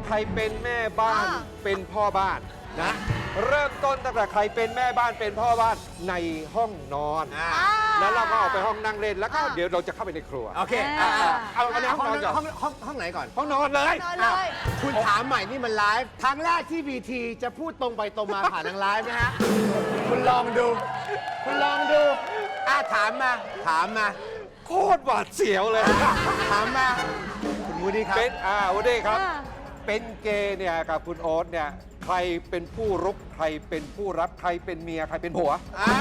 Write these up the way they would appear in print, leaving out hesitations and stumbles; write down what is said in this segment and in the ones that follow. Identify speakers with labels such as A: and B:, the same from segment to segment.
A: ใครเป็นแม่บ้านเป็นพ่อบ้านนะเริ่มต้นตั้งแต่ใครเป็นแม่บ้านเป็นพ่อบ้านในห้องนอนแล้วเราก็ออกไปห้องนั่งเล่นแล้วก็เดี๋ยวเราจะเข้าไปในครัว
B: โอเค
A: เอาในห้องนอนก่อน
B: ห้องไหนก่อน
A: ห้องนอนเลย
B: คุณถามใหม่นี่มันไลฟ์ครั้งแรกที่ VT จะพูดตรงไปตรงมาผ่านทางไลฟ์นะฮะ คุณลองดู คุณลองดูถามมา
A: โคตรหวาดเสียวเลย
B: ถามมา คุณวูดดี้ครับ
A: เป็นวันนี้ครับ เป็นเกย์เนี่ยกับคุณโอ๊ตเนี่ยใครเป็นผู้รุกใครเป็นผู้รับใครเป็นเมียใครเป็นผัว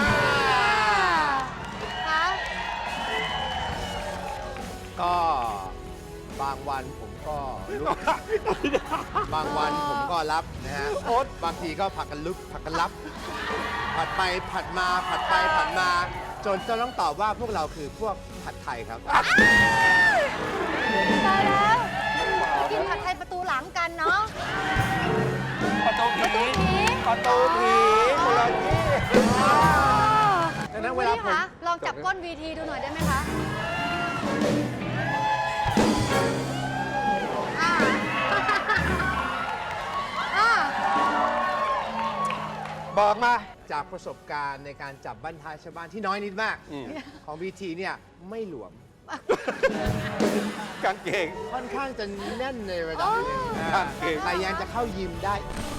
B: ก็บางวันผมก็ลุก บางวันผมก็รับนะฮะ
A: โอ๊ต
B: บางทีก็ผัดกันลุกผัดกันรับ ผัดไปผัดมาผัดไปผัดมา จนต้องตอบว่าพวกเราคือพวกผัดไทยครับ
C: ตายแล้วกินผัดไทยประตูหลังกันเนาะ
A: ประตูผีประตูผีคนละที่
B: ดังนั้นเวลาผม
C: คะลองจับก้น VT ดูหน่อยได้ไหมคะอ่าอ่า
A: บอกมา
B: จากประสบการณ์ในการจับบั้นท้ายชาวบ้านที่น้อยนิดมาก ของ VT เนี่ยไม่หลวม
A: กางเกง
B: ค่อนข้างจะแน่นในระดับหนึง
A: กางเกง
B: แต่ยังจะเข้ายิมได้